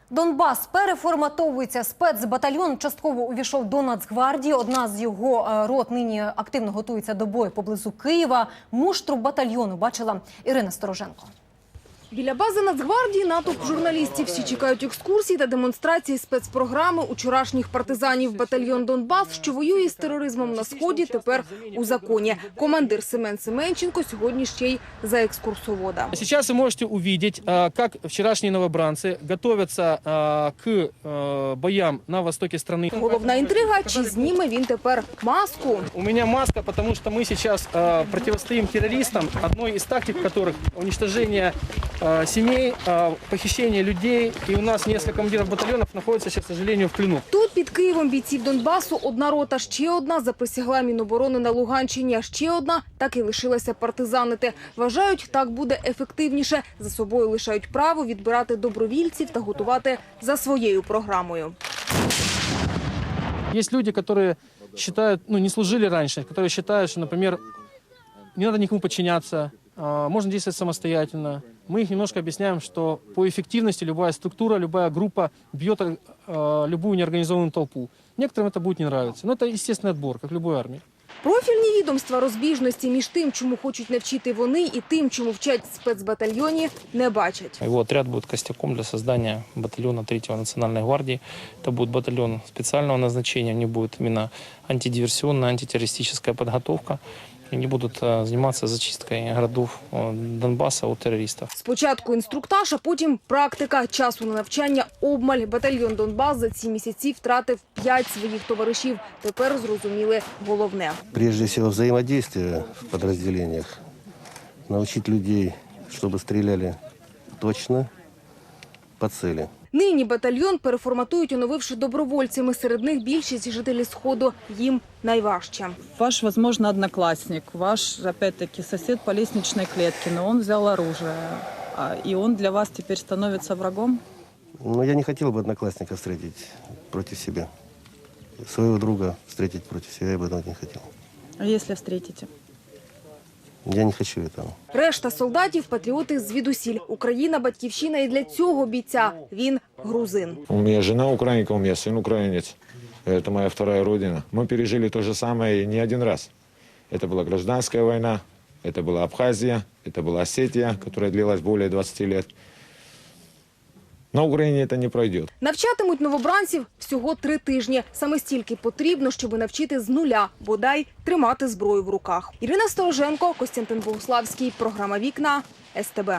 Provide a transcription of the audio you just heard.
Донбас переформатовується. Спецбатальйон частково увійшов до Нацгвардії. Одна з його рот нині активно готується до бою поблизу Києва. Муштру батальйону бачила Ірина Стороженко. Біля бази Нацгвардії натовп журналістів. Всі чекають екскурсій та демонстрації спецпрограми учорашніх партизанів. Батальйон «Донбас», що воює з тероризмом на Сході, тепер у законі. Командир Семен Семенченко сьогодні ще й за екскурсовода. Сейчас вы можете увидеть, как вчерашние новобранцы готовятся к боям на востоке страны. Головна інтрига – чи зніме він тепер маску? У меня маска, потому что мы сейчас противостоим террористам, одной из тактик которых уничтожение семей, похищение людей. И у нас несколько командиров батальонов находятся сейчас, к сожалению, в плену. Тут під Києвом бійців Донбасу одна рота, ще одна заприсягла Міноборони на Луганщині, а ще одна так і лишилася партизанити. Вважають, так буде ефективніше. За собою лишають право відбирати добровільців та готувати за своєю програмою. Есть люди, которые считают, не служили раньше, которые считают, что, например, не надо никому подчиняться, можно действовать самостоятельно. Мы их немножко объясняем, что по эффективности любая структура, любая группа бьет любую неорганизованную толпу. Некоторым это будет не нравиться. Но это естественный отбор, как в любой армии. Профільні відомства розбіжності між тим, чому хочуть навчити вони, і тим, чому вчать в спецбатальйоні, не бачать. Его отряд будет костяком для создания батальона 3-го национальной гвардии. Это будет батальон специального назначения, у них будет именно антидиверсионная, антитеррористическая подготовка. Они будут заниматься зачисткой городов Донбасса от террористов. Спочатку інструктаж, а потім практика. Часу на навчання обмаль. Батальйон «Донбас» за ці місяці втратив 5 своїх товаришів. Тепер зрозуміли головне. Прежде всего, взаимодействие в подразделениях. Научить людей, чтобы стреляли точно по цели. Нині батальйон переформатують, оновивши добровольцями. Серед них більшість жителі Сходу. Їм найважче. Ваш, возможно, одноклассник, ваш, опять-таки, сосед по лестничной клетке, но он взял оружие, и он для вас теперь становится врагом? Но я не хотел бы одноклассника встретить против себя. Своего друга встретить против себя я бы не хотел. А если встретите? Я не хочу этого. Решта солдатів – патріоти звідусіль. Україна – батьківщина і для цього бійця. Він грузин. У меня жена украинка, у меня сын украинец. Это моя вторая родина. Мы пережили то же самое не один раз. Это была гражданская война, это была Абхазия, это была Осетия, которая длилась более 20 лет. На Україні це не пройде. Навчатимуть новобранців всього 3 тижні. Саме стільки потрібно, щоб навчити з нуля, бодай тримати зброю в руках. Ірина Стороженко, Костянтин Богуславський. Програма «Вікна», СТБ.